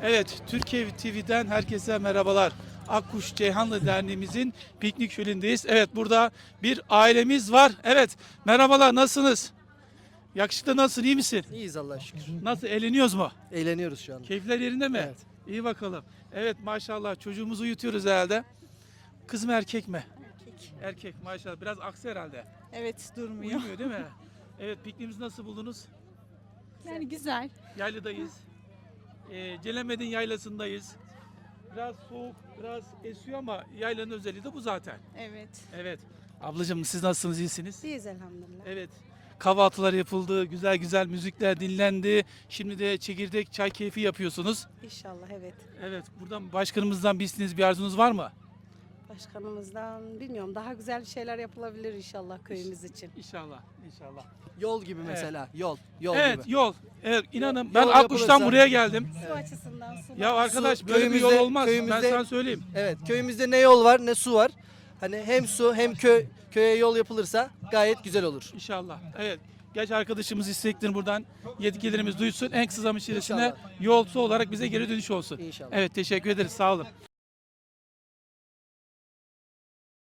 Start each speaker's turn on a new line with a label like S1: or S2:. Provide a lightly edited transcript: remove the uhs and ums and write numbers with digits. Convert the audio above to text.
S1: Evet, Türkiye TV'den herkese merhabalar. Akkuş Ceyhanlı Derneğimizin piknik şölendeyiz. Evet, burada bir ailemiz var. Evet, merhabalar, nasılsınız? Yakışıklı, nasılsın, iyi misin?
S2: İyiyiz Allah'a şükür.
S1: Nasıl, eğleniyoruz mu?
S2: Eğleniyoruz şu anda.
S1: Keyifler yerinde mi?
S2: Evet.
S1: İyi bakalım. Evet, maşallah, çocuğumuzu uyutuyoruz herhalde. Kız mı erkek mi?
S3: Erkek.
S1: Erkek, maşallah. Biraz aksi herhalde.
S3: Evet, durmuyor.
S1: Uyumuyor değil mi? Evet, pikniğimizi nasıl buldunuz?
S3: Yani güzel.
S1: Yayladayız. Celemedin yaylasındayız. Biraz soğuk, biraz esiyor ama yaylanın özelliği de bu zaten.
S3: Evet.
S1: Evet. Ablacığım, siz nasılsınız, iyisiniz?
S4: İyiyiz elhamdülillah.
S1: Evet. Kahvaltılar yapıldı, güzel güzel müzikler dinlendi. Şimdi de çekirdek çay keyfi yapıyorsunuz.
S4: İnşallah evet.
S1: Evet. Buradan başkanımızdan bir isteğiniz, bir arzunuz var mı?
S4: Başkanımızdan bilmiyorum daha güzel şeyler yapılabilir inşallah köyümüz için.
S1: İnşallah, inşallah.
S2: Yol gibi mesela. Yol
S1: Evet,
S2: gibi.
S1: yol. Evet, inanın
S2: Yol
S1: ben Akkuş'tan
S2: yapılırsa-
S1: buraya geldim.
S4: Su açısından su.
S1: Ya arkadaş,
S2: Su,
S1: böyle bir yol
S2: köyümüzde-
S1: olmaz. Ben
S2: köyümüzde-
S1: sana söyleyeyim.
S2: Evet, köyümüzde ne yol var ne su var. Hani hem su hem köye yol yapılırsa gayet güzel olur.
S1: İnşallah. Evet. Genç arkadaşımız isteklerini buradan yetkililerimiz duysun. En kısa zaman içerisinde
S2: İnşallah.
S1: yolcu olarak bize geri dönüş olsun.
S2: İnşallah.
S1: Evet, teşekkür ederiz. Sağ olun.